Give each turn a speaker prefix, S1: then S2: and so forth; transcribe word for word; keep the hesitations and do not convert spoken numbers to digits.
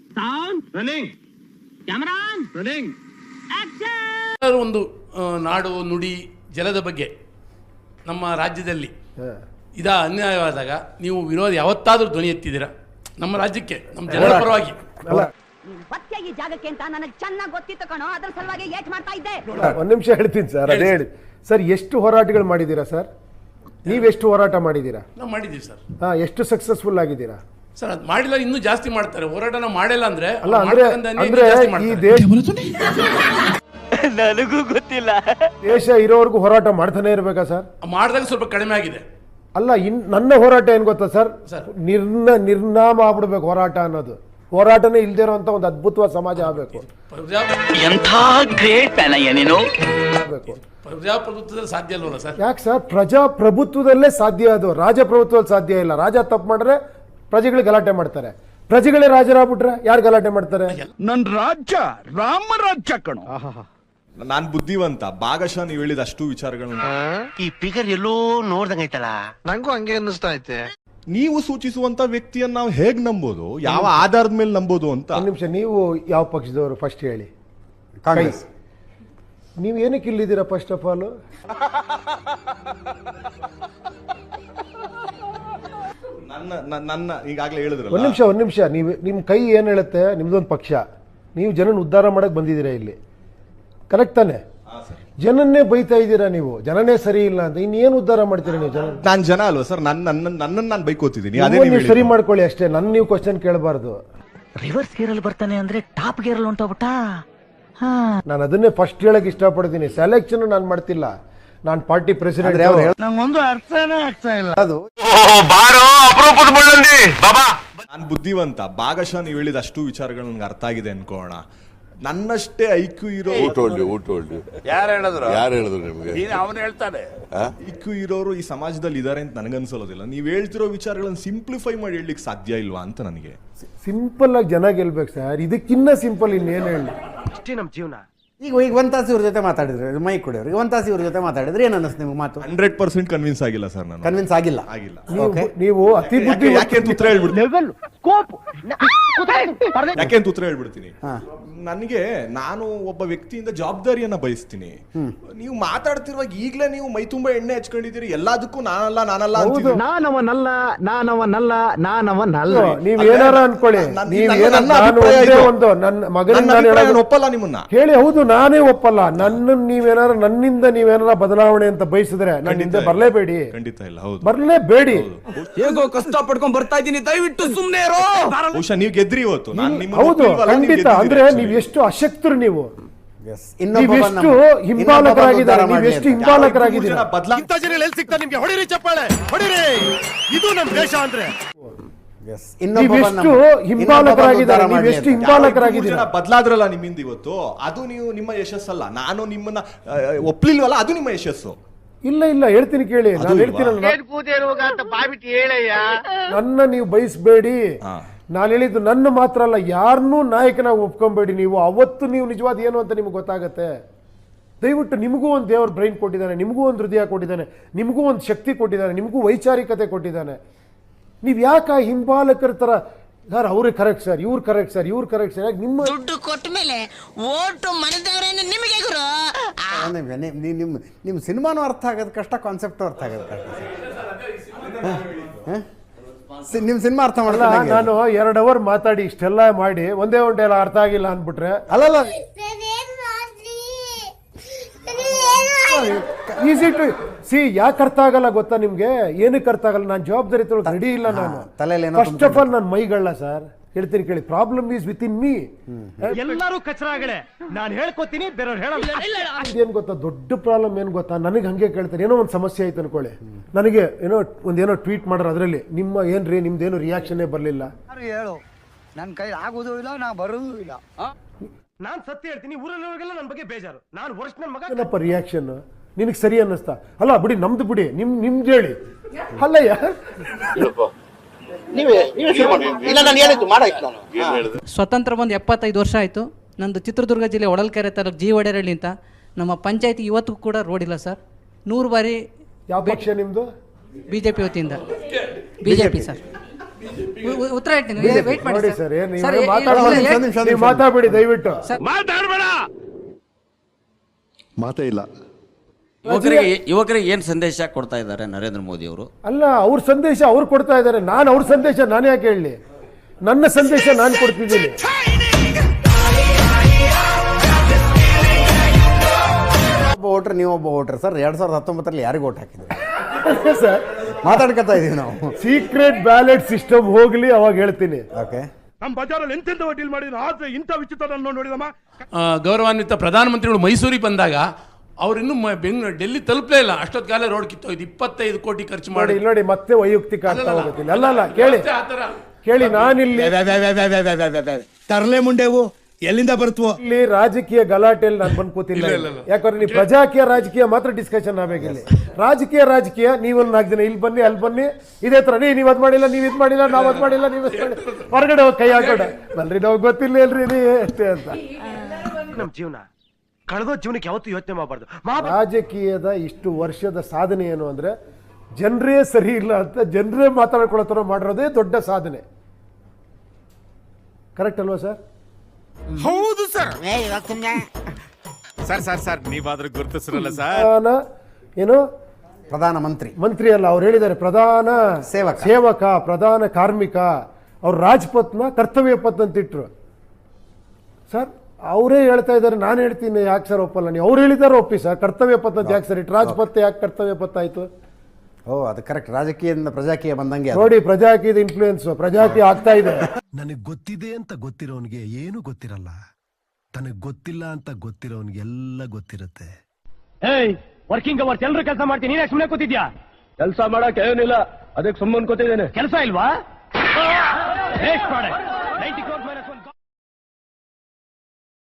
S1: Sound running, camera running, action.
S2: ಒಂದು ನಾಡು ನುಡಿ ಜಲದ ಬಗ್ಗೆ ನಮ್ಮ ರಾಜ್ಯದಲ್ಲಿ ಇದ ಅನ್ಯಾಯವಾದಾಗ ನೀವು ವಿರೋಧ ಯಾವತ್ತಾದ್ರೂ ಧ್ವನಿ ಎತ್ತಿದ್ದೀರಾ? ನಮ್ಮ ರಾಜ್ಯಕ್ಕೆ, ನಮ್ಮ ಜನರ ಪರವಾಗಿ.
S3: ಈ ಜಾಗಕ್ಕೆ ಅಂತ ನನಗೆ ಚೆನ್ನಾಗಿ ಗೊತ್ತಿತ್ತು ಕಣೋ, ಅದ್ರ ಸಲುವಾಗಿ ಏಟ್ ಮಾಡ್ತಾ ಇದ್ದೆ.
S4: ಒಂದ್ ನಿಮಿಷ ಹೇಳ್ತೀನಿ ಸರ್, ಅದೇ ಹೇಳಿ ಸರ್. ಎಷ್ಟು ಹೋರಾಟಗಳು ಮಾಡಿದ್ದೀರಾ ಸರ್? ನೀವೆಷ್ಟು ಹೋರಾಟ ಮಾಡಿದ್ದೀರಾ?
S2: ನಾವು ಮಾಡಿದ್ದೀವಿ ಸರ್.
S4: ಹಾ, ಎಷ್ಟು ಸಕ್ಸಸ್ಫುಲ್ ಆಗಿದ್ದೀರಾ
S2: ಸರ್? ಅದು ಮಾಡಿಲ್ಲ, ಇನ್ನೂ ಜಾಸ್ತಿ ಮಾಡ್ತಾರೆ. ಹೋರಾಟ ನಾವು ಮಾಡಿಲ್ಲ ಅಂದ್ರೆ
S4: ಅಲ್ಲ ಅಂದ್ರೆ ಅಂದ್ರೆ ಈ ದೇಶ
S1: ನನಗೂ ಗೊತ್ತಿಲ್ಲ.
S4: ದೇಶ ಇರೋವರೆಗೂ ಹೋರಾಟ ಮಾಡ್ತಾನೆ ಇರ್ಬೇಕಾ ಸರ್?
S2: ಮಾಡಿದಾಗ ಸ್ವಲ್ಪ ಕಡಿಮೆ ಆಗಿದೆ.
S4: ಅಲ್ಲ, ಇನ್ ನನ್ನ ಹೋರಾಟ ಏನ್ ಗೊತ್ತಾ ಸರ್? ನಿರ್ನ ನಿರ್ನಾಮ ಆಗ್ಬಿಡ್ಬೇಕು ಹೋರಾಟ ಅನ್ನೋದು. ಹೋರಾಟನೇ ಇಲ್ದೇ ಇರೋಂತ ಒಂದು ಅದ್ಭುತವಾದ ಸಮಾಜ ಆಗ್ಬೇಕು.
S2: ಪ್ರಜಾಪ್ರಭುತ್ವದಲ್ಲಿ ಸಾಧ್ಯ ಅಲ್ವಲ್ಲ ಸರ್?
S4: ಯಾಕೆ ಸರ್? ಪ್ರಜಾಪ್ರಭುತ್ವದಲ್ಲೇ ಸಾಧ್ಯ ಅದು, ರಾಜಪ್ರಭುತ್ವದಲ್ಲಿ ಸಾಧ್ಯ ಇಲ್ಲ. ರಾಜ ತಪ್ಪು ಮಾಡಿದ್ರೆ ಪ್ರಜೆಗಳು ಗಲಾಟೆ ಮಾಡ್ತಾರೆ, ಪ್ರಜೆಗಳೇ ರಾಜರಾಗ್ಬಿಟ್ರೆ ಯಾರು ಗಲಾಟೆ ಮಾಡ್ತಾರೆ?
S5: ನನ್ ರಾಜ್ಯ ರಾಮ ರಾಜ್ಯ ಕಣೋ.
S6: ನಾನ್ ಬುದ್ಧಿವಂತ, ಭಾಗಶಃ ನೀವು ಹೇಳಿದ ಅಷ್ಟು ವಿಚಾರಗಳನ್ನ
S1: ಈ ಫಿಗರ್ ಎಲ್ಲೋ ನೋಡ್ದಂಗೈತಲ್ಲ,
S5: ನಂಗೂ ಹಂಗೆ ಅನ್ನಿಸ್ತಾ ಐತೆ.
S6: ನೀವು ಸೂಚಿಸುವಂತ ವ್ಯಕ್ತಿಯನ್ನ ನಾವು ಹೇಗ್ ನಂಬೋದು, ಯಾವ ಆಧಾರದ ಮೇಲೆ ನಂಬೋದು ಅಂತ.
S4: ಒಂದು ನಿಮಿಷ, ನೀವು ಯಾವ ಪಕ್ಷದವರು ಫಸ್ಟ್ ಹೇಳಿ?
S7: ಕಾಂಗ್ರೆಸ್.
S4: ನೀವು ಏನಕ್ಕೆ ಇಲ್ಲಿದ್ದೀರಾ ಫಸ್ಟ್ ಆಫ್ ಆಲ್?
S6: ನನ್ನ ನನ್ನ ಈಗಾಗಲೇ ಹೇಳಿದ್ರಲ್ಲ.
S4: ಒಂದ್ ನಿಮಿಷ ಒಂದ್ ನಿಮಿಷ ನೀವು ನಿಮ್ ಕೈ ಏನ್ ಹೇಳುತ್ತೆ? ನಿಮ್ದೊಂದು ಪಕ್ಷ, ನೀವು ಜನನ ಉದ್ಧಾರ ಮಾಡಕ್ ಬಂದಿದ್ದೀರಾ ಇಲ್ಲಿ, ಕರೆಕ್ಟ್ ತಾನೆ? ಜನನ್ನೇ ಬೈತಾ ಇದ್ದೀರಾ ನೀವು, ಜನನೇ ಸರಿ ಇಲ್ಲ ಅಂತ. ಇನ್ನೇನು ಉದ್ಧಾರ ಮಾಡ್ತೀರಾ ನೀವು? ಜನ
S6: ನಾನ್ ಜನ ಅಲ್ವಾ ಸರ್? ನನ್ನ ನನ್ನ ನನ್ನನ್ನು ನಾನು ಬೈಕೋತಿದ್ದೀನಿ. ಅದೇ
S4: ನೀವು ಸರಿ ಮಾಡ್ಕೊಳ್ಳಿ ಅಷ್ಟೇ, ನನ್ನ ನೀವು ಕ್ವಶನ್ ಕೇಳಬಾರ್ದು.
S1: ರಿವರ್ಸ್ ಗೇರ್ ಅಲ್ಲಿ ಬರ್ತಾನೆ ಅಂದ್ರೆ ಟಾಪ್ ಗೇರ್ ಅಲ್ಲಿ ಹೊಂಟೋಗ್ಬಿಟ್ಟ.
S4: ನಾನು ಅದನ್ನೇ ಫಸ್ಟ್ ಹೇಳಕ್ ಇಷ್ಟಪಡ್ತೀನಿ. ಸೆಲೆಕ್ಷನ್ ನಾನು ಮಾಡ್ತಿಲ್ಲ, ನಾನು ಪಾರ್ಟಿ ಪ್ರೆಸಿಡೆಂಟ್.
S5: ನಂಗೊಂದು ಅರ್ಥನೇ ಆಗ್ತಾ ಇಲ್ಲ.
S4: ಅದು
S6: ನಾನು ಬುದ್ಧಿವಂತ, ಭಾಗಶಃ ನೀವು ಹೇಳಿದ ಅಷ್ಟು ವಿಚಾರಗಳು ನನ್ಗೆ ಅರ್ಥ ಆಗಿದೆ ಅನ್ಕೋಣ. ನನ್ನಷ್ಟೇ ಐಕ್ಯೂ ಇರೋ
S5: ಯಾರು ಹೇಳಿದ್ರು?
S7: ಯಾರು ಹೇಳಿದ್ರು ನಿಮ್ಗೆ?
S5: ಅವನು ಹೇಳ್ತಾನೆ.
S6: ಐಕ್ಯೂ ಇರೋರು ಈ ಸಮಾಜದಲ್ಲಿ ಇದಾರೆ ಅಂತ ನನಗನ್ಸೋದಿಲ್ಲ. ನೀವು ಹೇಳ್ತಿರೋ ವಿಚಾರಗಳನ್ನು ಸಿಂಪ್ಲಿಫೈ ಮಾಡಿ ಹೇಳಲಿಕ್ಕೆ ಸಾಧ್ಯ ಇಲ್ವಾ ಅಂತ ನನಗೆ.
S4: ಸಿಂಪಲ್ ಆಗಿ ಜನ ಗೆಲ್ಬೇಕು ಸರ್, ಇದಕ್ಕಿನ್ನ ಸಿಂಪಲ್ ಇನ್ನೇನು ಹೇಳಿ?
S1: ಅಷ್ಟೇ ನಮ್ಮ ಜೀವನ.
S7: ಈಗ ಈಗ ಒಂದ್ ತಾಸು ಇವ್ರ ಜೊತೆ ಮಾತಾಡಿದ್ರು, ಮೈ ಕೊಡಿಯವ್ರು ಈಗ ಒಂದ್ ತಾಸು ಇವ್ರ ಜೊತೆ ಮಾತಾಡಿದ್ರೆ ಏನ್ ಅನ್ನಿಸ್ತು ನಿಮ್ಗೆ? ಮಾತು
S6: ಹಂಡ್ರೆಡ್ ಪರ್ಸೆಂಟ್ ಕನ್ವಿನ್ಸ್ ಆಗಿಲ್ಲ ಸರ್. ನಾನು
S7: ಕನ್ವಿನ್ಸ್ ಆಗಿಲ್ಲ.
S6: ಆಗಿಲ್ಲ.
S4: ನೀವು- ನೀವು ಅತಿ ಬುದ್ಧಿ
S6: ಯಾಕೆ ಅಂತ ಉತ್ತರ ಹೇಳ್ಬಿಡ್ತೀನಿ. ಯಾಕೆ ಅಂತ ಉತ್ತರ ಹೇಳ್ಬಿಡ್ತೀನಿ. ನನಗೆ ನಾನು ಒಬ್ಬ ವ್ಯಕ್ತಿಯಿಂದ ಜವಾಬ್ದಾರಿಯನ್ನ ಬಯಸ್ತೀನಿ. ನೀವು ಮಾತಾಡ್ತಿರುವಾಗ ಈಗಲೇ ನೀವು ಮೈ ತುಂಬಾ ಎಣ್ಣೆ ಹಚ್ಕೊಂಡಿದ್ದೀರಿ, ಎಲ್ಲದಕ್ಕೂ ನಾನಲ್ಲ ನಾನಲ್ಲ ಅಂತೀರಿ.
S5: ನಾನವನಲ್ಲ ನಾನವನಲ್ಲ ನಾನವನಲ್ಲ.
S4: ನೀವ್ ಏನಾರ ಅನ್ಕೊಳ್ಳಿ, ನೀವ್ ಏನಾರ ಒಂದು ನನ್ನ ಮಗನಿಂದ
S6: ಒಪ್ಪಲ್ಲ ನಿಮ್ಮನ್ನ
S4: ಹೇಳಿ. ಹೌದು, ನಾನೇ ಒಪ್ಪಲ್ಲ. ನನ್ನ ನೀವೇನಾರ ನನ್ನಿಂದ ನೀವೇನಾರ ಬದಲಾವಣೆ ಅಂತ ಬಯಸಿದ್ರೆ ನನ್ನ ಹಿಂದೆ ಬರ್ಲೇಬೇಡಿ.
S6: ಖಂಡಿತ ಇಲ್ಲ. ಹೌದು,
S4: ಬರ್ಲೇಬೇಡಿ.
S1: ಹೇಗೋ ಕಷ್ಟ ಪಡ್ಕೊಂಡ್ ಬರ್ತಾ ಇದ್ದೀನಿ, ದಯವಿಟ್ಟು ಸುಮ್ನೆ ಇರೋ.
S6: ಬಹುಶಃ ನೀವು ಗೆದ್ರಿ ಇವತ್ತು.
S4: ಹೌದು, ಖಂಡಿತ. ಅಂದ್ರೆ ನೀವು ಎಷ್ಟು ಅಶಕ್ತರು, ನೀವು ನೀವೆಷ್ಟು ಹಿಂಬಾಲಕರಾಗಿದ್ದಾರೆ, ನೀವೆಷ್ಟು ಹಿಂಬಾಲಕರಾಗಿದ್ದೀರಾ.
S5: ನಿಮ್ಗೆ ಹೊಡಿರಿ ಚಪ್ಪಾಳೆ, ಹೊಡಿರಿ. ಇದು ನಮ್ ದೇಶ ಅಂದ್ರೆ.
S4: ನೀವೆಷ್ಟು ಹಿಂಬಾಲಕರಾಗಿದ್ದಾರೆ, ನೀವೆಷ್ಟು ಹಿಂಬಾಲಕರಾಗಿದ್ದೀರಾ.
S6: ಬದಲಾದ್ರಲ್ಲ ನಿಮ್ಮಿಂದ ಇವತ್ತು, ಅದು ನೀವು ನಿಮ್ಮ ಯಶಸ್ಸಲ್ಲ. ನಾನು ನಿಮ್ಮನ್ನ ಒಪ್ಲಿಲ್ವಲ್ಲ, ಅದು ನಿಮ್ಮ ಯಶಸ್ಸು.
S4: ಇಲ್ಲ ಇಲ್ಲ, ಹೇಳ್ತೀನಿ ಕೇಳಿ. ನಾನು ಹೇಳ್ತೀನಲ್ಲ, ನನ್ನ ನೀವು ಬಯಸ್ಬೇಡಿ. ನಾನು ಹೇಳಿದ್ದು ನನ್ನ ಮಾತ್ರ ಅಲ್ಲ, ಯಾರನ್ನೂ ನಾಯಕನಾಗಿ ಒಪ್ಕೊಂಬೇಡಿ. ನೀವು ಅವತ್ತು ನೀವು ನಿಜವಾದ ಏನು ಅಂತ ನಿಮ್ಗೆ ಗೊತ್ತಾಗತ್ತೆ. ದಯವಿಟ್ಟು ನಿಮಗೂ ಒಂದು ದೇವ್ರ ಬ್ರೈನ್ ಕೊಟ್ಟಿದ್ದಾನೆ, ನಿಮಗೂ ಒಂದು ಹೃದಯ ಕೊಟ್ಟಿದ್ದಾನೆ, ನಿಮಗೂ ಒಂದು ಶಕ್ತಿ ಕೊಟ್ಟಿದ್ದಾನೆ, ನಿಮಗೂ ವೈಚಾರಿಕತೆ ಕೊಟ್ಟಿದ್ದಾನೆ. ನೀವು ಯಾಕೆ ಹಿಂಬಾಲಕರ ತರ ಸರ್, ಅವ್ರಿಗೆ ಕರೆಕ್ಟ್ ಸರ್, ಇವ್ರು ಕರೆಕ್ಟ್ ಸರ್, ಇವ್ರು ಕರೆಕ್ಟ್ ಸರ್, ಯಾಕೆ ನಿಮ್ಮ
S3: ದುಡ್ಡು ಕೊಟ್ಟ ಮೇಲೆ ಓಟು ಮನೆದವರೇನು ನಿಮಗೆ ಗುರು?
S7: ನಿಮ್ಮ ನಿಮ್ಮ ಸಿನಿಮಾನು ಅರ್ಥ ಆಗೋದು ಕಷ್ಟ, ಕಾನ್ಸೆಪ್ಟು ಅರ್ಥ ಆಗೋದು ಕಷ್ಟ. ನಿಮ್ ಸಿನಿಮಾ ಅರ್ಥ ಮಾಡಲ್ಲ.
S4: ನಾನು ಎರಡು ಅವರ್ ಮಾತಾಡಿ ಇಷ್ಟೆಲ್ಲ ಮಾಡಿ ಒಂದೇ ಒಂದೇ ಎಲ್ಲ ಅರ್ಥ ಆಗಿಲ್ಲ ಅಂದ್ಬಿಟ್ರೆ
S7: ಅಲ್ಲಲ್ಲ,
S4: ಈಸಿ ಟು ಸಿ. ಯಾಕೆ ಅರ್ಥ ಆಗಲ್ಲ ಗೊತ್ತಾ ನಿಮ್ಗೆ? ಏನಕ್ಕೆ ಅರ್ಥ ಆಗಲ್ಲ? ನಾನು ಜವಾಬ್ದಾರಿ ತೊಗೊಳಕ್ ರೆಡಿ ಇಲ್ಲ. ನಾನು ಫಸ್ಟ್ ಆಫ್ ಆಲ್ ನಾನು ಮೈಗಳ್ಳ ಸರ್, ಹೇಳ್ತೀನಿ ಕೇಳಿ. Problem is with in me.
S5: ಎಲ್ಲರೂ ಕಚರಾಗಳೇ, ನಾನು ಹೇಳ್ಕೊತೀನಿ, ಬೇರೆಯವ್ರು ಹೇಳಲ್ಲ.
S4: ಏನ್ ಗೊತ್ತಾ ದೊಡ್ಡ ಪ್ರಾಬ್ಲಮ್ ಏನ್ ಗೊತ್ತಾ? ನನಗೆ ಹಂಗೆ ಕೇಳ್ತಾರೆ, ಏನೋ ಒಂದು ಸಮಸ್ಯೆ ಆಯ್ತು ಅನ್ಕೊಳ್ಳಿ, ನನಗೆ ಏನೋ ಒಂದೇನೋ ಟ್ವೀಟ್ ಮಾಡ್ರೆ ಅದರಲ್ಲಿ ನಿಮ್ಮ ಏನ್ರಿ ನಿಮ್ದೇನು ರಿಯಾಕ್ಷನ್ನೇ ಬರಲಿಲ್ಲ.
S8: ಹೇಳು, ನನ್ನ ಕೈ ಆಗೋದು ಇಲ್ಲ, ನಾ ಬರೋದು ಇಲ್ಲ.
S5: ನಾನ್ ಸತ್ಯ ಹೇಳ್ತೀನಿ, ಊರಲ್ಲಿವರೆಗೆಲ್ಲ ನನ್ನ ಬಗ್ಗೆ ಬೇಜಾರು. ನಾನು ವರ್ಷ ನನ್ನ ಮಗ
S4: ಏನಪ್ಪ ರಿಯಾಕ್ಷನ್ ನಿನಗೆ ಸರಿ ಅನ್ನಿಸ್ತಾ? ಅಲ್ಲ ಬಿಡಿ, ನಮ್ದು ಬಿಡಿ, ನಿಮ್ ನಿಮ್ದು ಹೇಳಿ. ಅಲ್ಲಯ್ಯ,
S9: ಸ್ವತಂತ್ರ ಬಂದು ಎಪ್ಪತ್ತೈದು ವರ್ಷ ಆಯಿತು. ನಂದು ಚಿತ್ರದುರ್ಗ ಜಿಲ್ಲೆ ಹೊಳಲ್ಕೆರೆ ತಾಲೂಕು ಜಿ ಒಡೆರಳ್ಳಿ ಅಂತ. ನಮ್ಮ ಪಂಚಾಯತಿ ಇವತ್ತು ಕೂಡ ರೋಡ್ ಇಲ್ಲ ಸರ್. ನೂರು ಬಾರಿ.
S4: ಯಾವ ಪಕ್ಷ ನಿಮ್ದು?
S9: ಬಿ ಜೆ ಪಿ ವತಿಯಿಂದ. B J P sir. ಉ- ಉ- ಉತ್ತರ ಹೇಳ್ತೀನಿ ವೇಟ್ ಮಾಡಿ
S4: ನೋಡಿ
S9: ಸರ್.
S4: ಸರ್ ಏನ್
S9: ಸರ್,
S4: ನೀವು
S9: ಏ-
S4: ಮಾತಾಡೋ
S9: ಏ-
S7: ನಿಮಿಷ, ನಿಮಿಷ,
S4: ನೀವು ಮಾತಾಡ್ಬೇಡಿ ದಯವಿಟ್ಟು.
S5: ಮಾತೇ ಇಲ್ಲ.
S10: ಯುವಕರಿಗೆ ಯುವಕರಿಗೆ ಏನ್ ಸಂದೇಶ ಕೊಡ್ತಾ ಇದ್ದಾರೆ ನರೇಂದ್ರ ಮೋದಿ ಅವರು?
S4: ಅಲ್ಲ, ಅವ್ರ ಸಂದೇಶ ಅವ್ರು ಕೊಡ್ತಾ ಇದ್ದಾರೆ, ನಾನು ಅವ್ರ ಸಂದೇಶ ನಾನು ಯಾಕೆ ಹೇಳಲಿ? ನನ್ನ ಸಂದೇಶ ನಾನು ಕೊಡ್ತಿದ್ದೀನಿ.
S7: ಒಬ್ಬ ವೋಟರ್ ನೀವು ಒಬ್ಬ ವೋಟರ್ ಸರ್. ಎರಡ್ ಸಾವಿರದ ಹತ್ತೊಂಬತ್ತರಲ್ಲಿ ಯಾರಿಗೆ ವೋಟ್ ಹಾಕಿದ್ರಿ
S4: ಸರ್
S7: ಮಾತಾಡ್ಕೊತಾ ಇದೀವಿ ನಾವು.
S4: ಸೀಕ್ರೆಟ್ ಬ್ಯಾಲೆಟ್ ಸಿಸ್ಟಮ್ ಹೋಗ್ಲಿ ಅವಾಗ ಹೇಳ್ತೀನಿ.
S7: ಓಕೆ,
S5: ನಮ್ಮ ಬಜಾರಲ್ಲಿ ಎಂತೆಂತ ಡೀಲ್ ಮಾಡಿದ್ರು ಆದ್ರೆ ಇಂಥ ವಿಚಿತ್ರ ನೋಡಿದಮ್ಮ.
S2: ಆ, ಗೌರವಾನ್ವಿತ ಪ್ರಧಾನಮಂತ್ರಿಗಳು ಮೈಸೂರಿಗೆ ಬಂದಾಗ ಅವ್ರು ಇನ್ನೂ ಬೆಂಗಳೂರು ಡೆಲ್ಲಿ ತಲುಪಲೇ ಇಲ್ಲ, ಅಷ್ಟೊತ್ತು ಕಾಲ ರೋಡ್ ಕಿತ್ತೋಯ್ತು. ಇಪ್ಪತ್ತೈದು ಕೋಟಿ ಖರ್ಚು ಮಾಡಿ
S4: ನೋಡಿ ನೋಡಿ ಮತ್ತೆ ವೈಯಕ್ತಿಕ ಆಗ್ತಾ ಹೋಗುತ್ತಿಲ್ಲ. ಅಲ್ಲ ಅಲ್ಲ ಕೇಳಿ ಕೇಳಿ ನಾನಿಲ್ಲಿ
S1: ತರಲೆ ಮುಂಡೆವು ಎಲ್ಲಿಂದ ಬರ್ತವೋ
S4: ಇಲ್ಲಿ ರಾಜಕೀಯ ಗಲಾಟೆಯಲ್ಲಿ ನಾನು ಬಂದು ಕೂತಿಲ್ಲ. ಯಾಕಂದ್ರೆ ನೀವು ಪ್ರಜಾಕೀಯ ರಾಜಕೀಯ ಮಾತ್ರ ಡಿಸ್ಕಷನ್ ಆಗ್ಬೇಕಿಲ್ಲಿ. ರಾಜಕೀಯ ರಾಜಕೀಯ ನೀವೊಂದು ನಾಲ್ಕು ದಿನ ಇಲ್ಲಿ ಬನ್ನಿ ಅಲ್ಲಿ ಬನ್ನಿ ಇದೇ ತರ ನೀ ನೀವ್ ಅದ್ ಮಾಡಿಲ್ಲ ನೀವ್ ಇದ್ ಮಾಡಿಲ್ಲ ನಾವ್ ಅದ್ ಮಾಡಿಲ್ಲ ನೀವ್ ಹೊರಗಡೆ ಹೋಗಿ ಕೈ ಹಾಕೋಣ ಬಲ್ರಿ ನಾವು ಗೊತ್ತಿಲ್ಲ ಇಲ್ರಿ ನೀ ಅಷ್ಟೇ ಅಂತ.
S5: ನಮ್ಮ ಜೀವನ ಕಳೆದೋ ಜೀವನಕ್ಕೆ ಯಾವತ್ತೂ ಯೋಚನೆ ಮಾಡಬಾರ್ದು.
S4: ರಾಜಕೀಯದ ಇಷ್ಟು ವರ್ಷದ ಸಾಧನೆ ಏನು ಅಂದ್ರೆ ಜನರೇ ಸರಿ ಇಲ್ಲ ಅಂತ ಜನರೇ ಮಾತಾಡ್ಕೊಳ್ಳೋ ಥರ ಮಾಡಿರೋದೇ ದೊಡ್ಡ ಸಾಧನೆ. ಕರೆಕ್ಟ್ ಅಲ್ವಾ ಸರ್?
S5: ಹೌದು ಸರ್. ಸರ್ ಸರ್ ಸರ್ ನೀವಾದ್ರೂ ಗುರುತಿಸಿರಲ್ಲ ಸರ್.
S4: ಪ್ರಧಾನ ಏನು
S7: ಪ್ರಧಾನ ಮಂತ್ರಿ
S4: ಮಂತ್ರಿ ಅಲ್ಲ, ಅವ್ರು ಹೇಳಿದ್ದಾರೆ ಪ್ರಧಾನ
S7: ಸೇವಕ.
S4: ಸೇವಕ ಪ್ರಧಾನ ಕಾರ್ಮಿಕ. ಅವ್ರು ರಾಜ್ಪಥ್ನ ಕರ್ತವ್ಯ ಪಥ್ ಅಂತ ಇಟ್ರು ಸರ್. ಅವರೇ ಹೇಳ್ತಾ ಇದ್ದಾರೆ, ನಾನು ಹೇಳ್ತೀನಿ ಯಾಕೆ ಸರ್ ಒಪ್ಪಲ್ಲ ನೀವು? ಅವ್ರು ಹೇಳಿದಾರೆ ಒಪ್ಪಿ ಸರ್. ಕರ್ತವ್ಯ ಪಥ ಅಂತ ಯಾಕೆ ಸರ್ ಇಟ್ಟು ರಾಜ್ಪಥ್ ಯಾಕೆ ಕರ್ತವ್ಯ ಪಥ ಆಯ್ತು?
S7: ಓ ಅದು ಕರೆಕ್ಟ್. ರಾಜಕೀಯದಿಂದ ಪ್ರಜಾಕೀಯ ಬಂದಂಗೆ ಅದು.
S4: ನೋಡಿ ಪ್ರಜಾಕೀಯದ ಇನ್ಫ್ಲೂಯೆನ್ಸ್ ಪ್ರಜಾಕೀಯ ಆಗ್ತಾ ಇದೆ.
S5: ನನಗ್ ಗೊತ್ತಿದೆ ಅಂತ ಗೊತ್ತಿರೋನ್ಗೆ ಏನು ಗೊತ್ತಿರಲ್ಲ, ತನಗ್ ಗೊತ್ತಿಲ್ಲ ಅಂತ ಗೊತ್ತಿರೋನ್ಗೆ ಎಲ್ಲ ಗೊತ್ತಿರುತ್ತೆ.
S1: ಏಯ್ ವರ್ಕಿಂಗ್ ಅವರ್ಸ್ ಎಲ್ಲರೂ ಕೆಲಸ ಮಾಡ್ತೀನಿ, ನೀನೇ ಸುಮ್ಮನೆ ಕೂತಿದ್ಯಾ? ಕೆಲಸ ಮಾಡಕ್ ಏನಿಲ್ಲ, ಅದಕ್ಕೆ ಸುಮ್ಮನೆ ಕೂತಿದ್ದೇನೆ. ಕೆಲಸ ಇಲ್ವಾ?